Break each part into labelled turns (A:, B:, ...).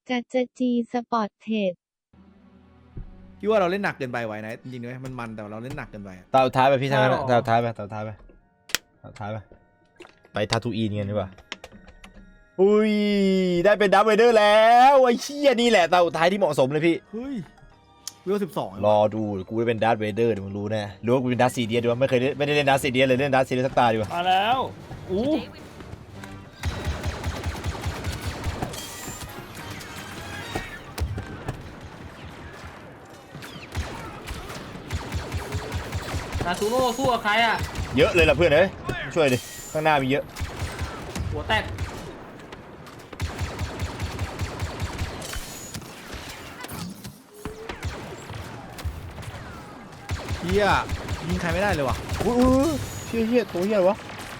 A: จะจีสปอร์ตเทรด
B: พี่ว่าเราเล่นหนักเกินไปไว้นะจริงๆด้วยมันแต่เราเล่นหนักเกินไป
C: ตาท้ายไปพี่ทางนั้นตาท้ายไปตาท้ายไปตาท้ายไปทาทูอีนกันดีกว่าอุ้ยได้เป็นดับเบิลเดอร์แล้วไอ้เชี่ยนี่แหละตาท้ายที่เหมาะสมเลยพี่
B: เฮ้ยวิว12
C: รอดูกูได้เป็นดาร์ธเวเดอร์เดี๋ยวมึงรู้แน่รู้ว่ากูเป็นดาร์ธซีเดียสดีวะไม่ได้เล่นดาร์ธซีเดียสเลยเล่นดาร์ธซีเดียสสักตาดีกว่า
D: มาแล้วอู้นาซูโร่สู้กับใครอ่ะ
C: เยอะเลยล่ะเพื่อนเอ้ยช่วยดิข้างหน้ามีเยอะ
D: หัวแตก
B: เฮียยิงใครไม่ได้เลยว่ะ
C: อุ้ยเชี่ยตัวเฮียวะ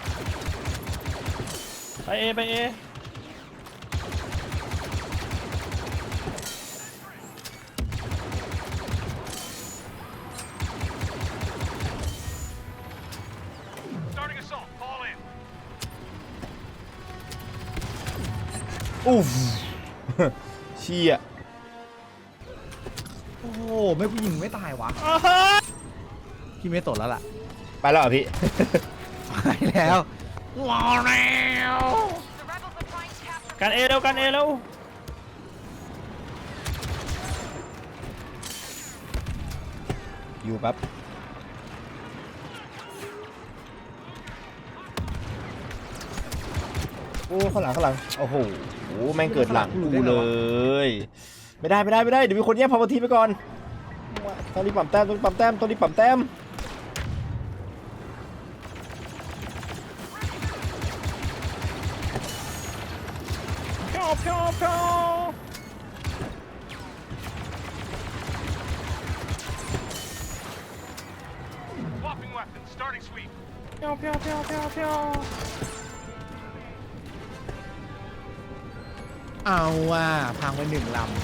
D: ไปเอไปเอ
C: อู้เชี่ย
B: โอ้โหไม่กูยิงไม่ตายวะพี่ไม่สนแล้วล่ะ
C: ไปแล้วเหรอพี่
B: ไปแล้วรอแล้ว
D: กันเอแล้วกันเอแล้ว
C: อยู่แป๊บโอ้ข้างหลังโอ้โหแม่งเกิดหลังกูเลยไม่ได้เดี๋ยวมีคนแย่งพาวเวอร์ทีไปก่อนต้องรีบปั๊มแต้มต้องรีบปั๊มแต้ม
D: เพียวเพียวเพียว
E: Swapping weapons, starting sweep.
D: เพียวเพียวเพียวเพียวเพียว
B: เอาว่ะพังไป1 ลำ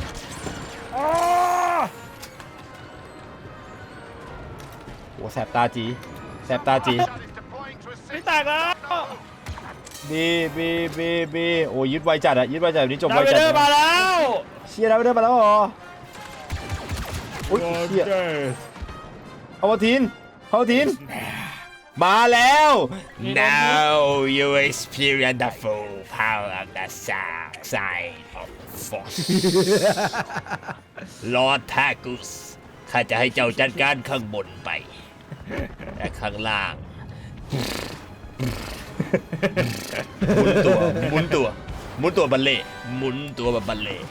C: โอ้แสบตาจีแสบตาจี
E: Shot is deploying to
D: ไม่
E: assist.
D: แตกแล้ว
C: บีโอ้ยึดไวจัดอะยึดไวจัดแบบนี้จบ
D: ดา
C: ไว
D: วเว
C: จัด
D: เดอร์มาแล้ว
C: เชียร์ดาวเดอร์มาแล้วเหรออุ้ยเชียเอาทีนมาแล้ว Now you experience the full power of the dark side of force Lord Tagus ข้าจะให้เจ้าจัดการข้างบนไปแต่ข้างล่างหมุนตัวบัลเล่หมุนตัวแบบบัลเล่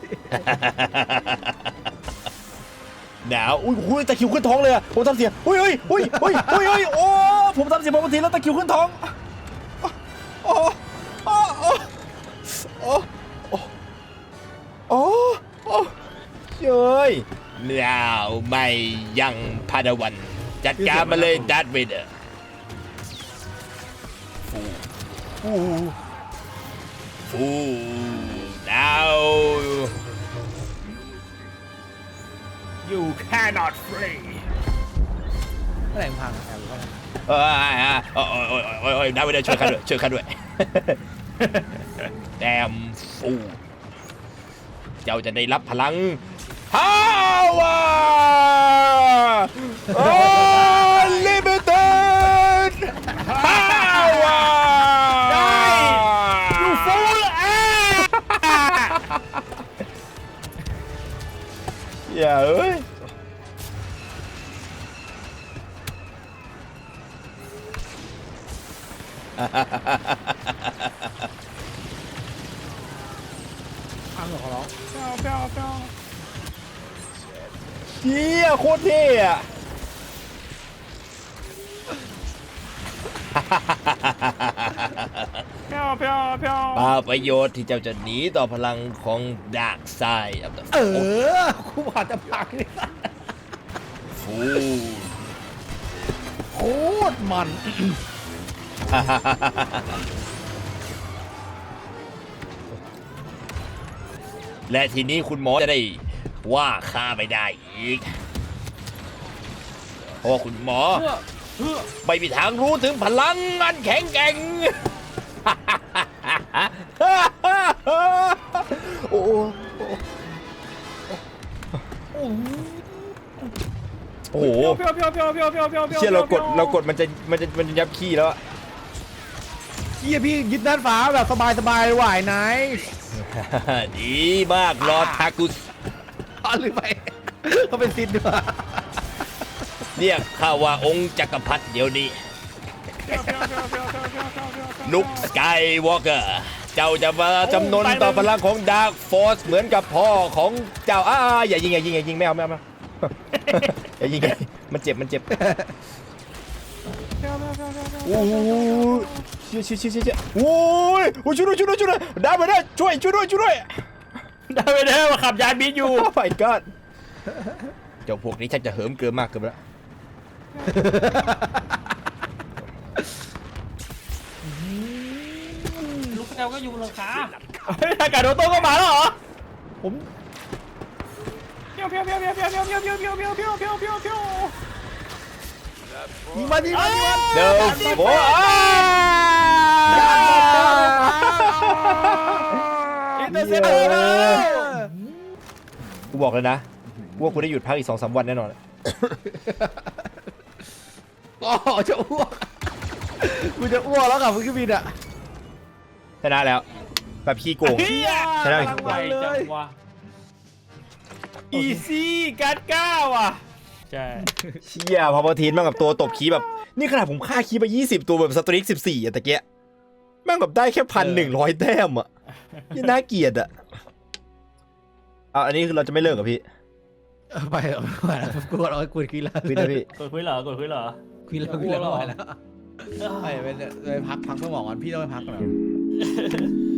C: หนาวอุ้ยตะคิวขึ้นท้องเลยอะผมทำเสียงอุ้ยโอ้ผมทำเสียงบางทีแล้วตะคิวขึ้นท้องโอ้เย้ยหนาวไม่ยังพาดวันจัดการมาเลยดัตเวเดอร์ฟูดาว
D: You cannot free
B: เมื่อไหร่มึงพังแอบหรือว่า
C: ได้ไม่ได้ช่วยข้าด้วยแดมฟูเจ้าจะได้รับพลัง Power Unlimited Power
D: ได้ You fool
C: อย่าเอ้ย
B: พังเหรอขอร้อง
D: เพียวเพียวเพียว
C: เชี่ยโคตรเท่อะ
D: เพียวเพียวเพียว
C: เปล่าประโยชน์ที่เจ้าจะหนีต่อพลังของดาร์กไซด์
B: กูบอกจะพังเลย
C: ฟู
B: โคตรมัน
C: และทีนี้คุณหมอจะได้ว่าข้าไม่ได้อีกเพราะว่าคุณหมอไม่มีทางรู้ถึงพลังอันแข็งแกร่ง โอ้ยโอ้โห
D: เพียวเพียวเพียวเพียวเพียวเพียว
C: เชี่ยเรากดมันจะยับขี้แล้วอะ
B: เฮียพี่ยึดด้านฟ้าแบบสบายๆไหวไหน
C: ดีมากลอทากุส
B: อ๋อลืมไปเขาเป็นซิดด้วย
C: เรียกข้าว่าองค์จักรพรรดิเดี๋ยวนี้ลุคสกายวอล์กเกอร์เจ้าจะมาจำนนต่อพลังของดาร์คฟอร์สเหมือนกับพ่อของเจ้าอย่ายิงไม่เอาอย่ายิงมันเจ็บโอ้ยเชี่ยโอ้ยช่วยด้วยดาร์คไปได้ช่วยด้วย
D: ได้ไปเด้อมาขับยานบินอยู่
C: โอ้ my god เจ้าพวกนี้ชักจะเหิมเกินมากเกินไปแล้ว
F: ลูกแอลก็อยู่หลังคา
D: เฮ้ยอากาศโดโต้ก็มาแล้วเหรอ
B: ผม
D: เพียวเพียวเพียวเพียวเพียวเพียวเพียวเพียวเพียวเพียวเพียวเพียวเพียวเพียว
B: ยิงมัน
C: เดิมโอ้ย
B: อินเตอร์เซปเตอร์
C: กูบอกเลยนะว่ากูได้หยุดพักอีก 2-3 วันแน่นอน
B: อ๋อจะอ้วกกูจะอ้วกแล้วกับเครื่องบินอ่ะ
C: ชนะแล้วแบบขี้โกง
D: เฮีย
C: ชนะ
F: ไวจังวะ
D: อีซี่การ์ดก้าวอ่ะใช่
C: เชี่ยพอทีนมากับตัวตบคีแบบนี่ขนาดผมฆ่าคีไป20 ตัวแบบสตริก14อะตะเกียแม่งแบบได้แค่1,100 แต้มอะยังน่าเกลียดอะอันนี้คือเราจะไม่เลิกกับพี่
B: ไปไม่ไหวแล้วกูรอกูคุยแล้ว
C: พี่นะพี่
F: กดคุยเหรอกดคุยเหรอ
B: คุยแล้วไม่ไหวแล้วไปพักเพื่อหมอก่อนพี่ต้องไปพักก่อน